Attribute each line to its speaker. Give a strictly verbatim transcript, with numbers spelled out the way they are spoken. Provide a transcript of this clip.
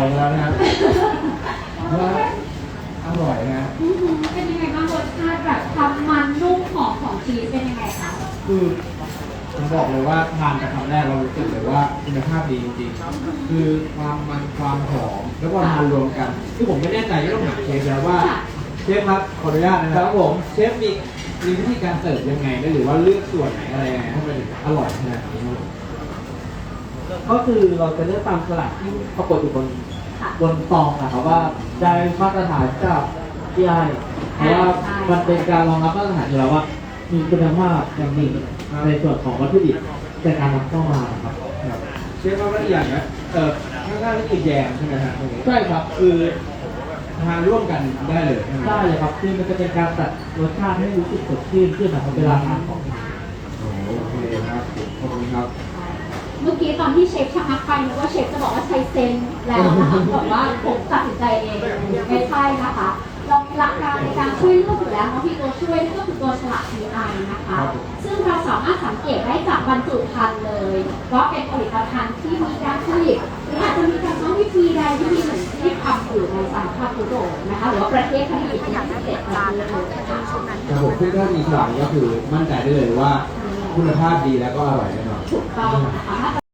Speaker 1: แล้วนะครับว่าอร่อยนะ
Speaker 2: เป็นยังไงบ้างรสชาติแบบความมันนุ่มหอมของชีสเป็นยังไงคะ
Speaker 1: คือผมบอกเลยว่าทานกับคำแรกเรารู้สึกเลยว่าคุณภาพดีจริงๆคือความมันความหอมแล้วก็ทานรวมกันคือผมไม่แน่ใจก็ต้องถามเชฟแล้วว่าเชฟครับขออนุญาตนะครับผมเชฟมีมีวิธีการเสิร์ฟยังไงได้หรือว่าเลือกส่วนไหนอะไรยังไงให้มันถึงอร่อยขนาดนี้ครับ
Speaker 3: ก็คือเราจะเลือกตามสลักที่ปรากฏอยู่บนบนซองนะครับว่าได้มาตรฐานจากที่ไอเพราะว่ามันเป็นการรองรับมาตรฐานอยู่แล้วว่ามีคุณภาพอย่างดีในส่วนของวัตถุดิบในการนำเข้ามาครับ
Speaker 1: เชฟว่าอีกอย่างนะเออข้างๆนี่คือแยมใช่ไหมครับ
Speaker 3: ใช่ครับ
Speaker 1: คือทานร่วมกันได้เลยใช่ไหม
Speaker 3: ได้เลยครับคือมันจะเป็นการตัดรสชาติให้รู้สึกสดชื่นขึ้นนะครับเวลาทานของ
Speaker 1: โอเคครับขอบคุณครับ
Speaker 2: เมื่อกี้ตอนที่เชฟชะงักไปนึกว่าเชฟจะบอกว่าใช้เซนแล้วนะคะบอกว่าผมตัดสินใจเองไม่ใช่นะคะเรามีหลักการในการช่วยเลือกอยู่แล้วเนาะที่ตัวช่วยก็คือตัวฉลาก ที ไอ นะคะซึ่งเราสามารถสังเกตได้จากบรรจุภัณฑ์เลยว่าเป็นผลิตภัณฑ์ที่มีการผลิตหรืออาจจะมีการใช้วิธีใดที่มีเหมือนที่ทำอยู่ในสหภาพยุโรปนะคะหรือว่าประเทศที่มีอย่างพิเศษการเลยนะคะ
Speaker 1: แต่ผมซึ่งถ้ามีฉลากก็คือมั่นใจได้เลยว่าคุณภาพดีแล้วก็อร่อยแน่นอน
Speaker 2: ถูกต้องนะคะ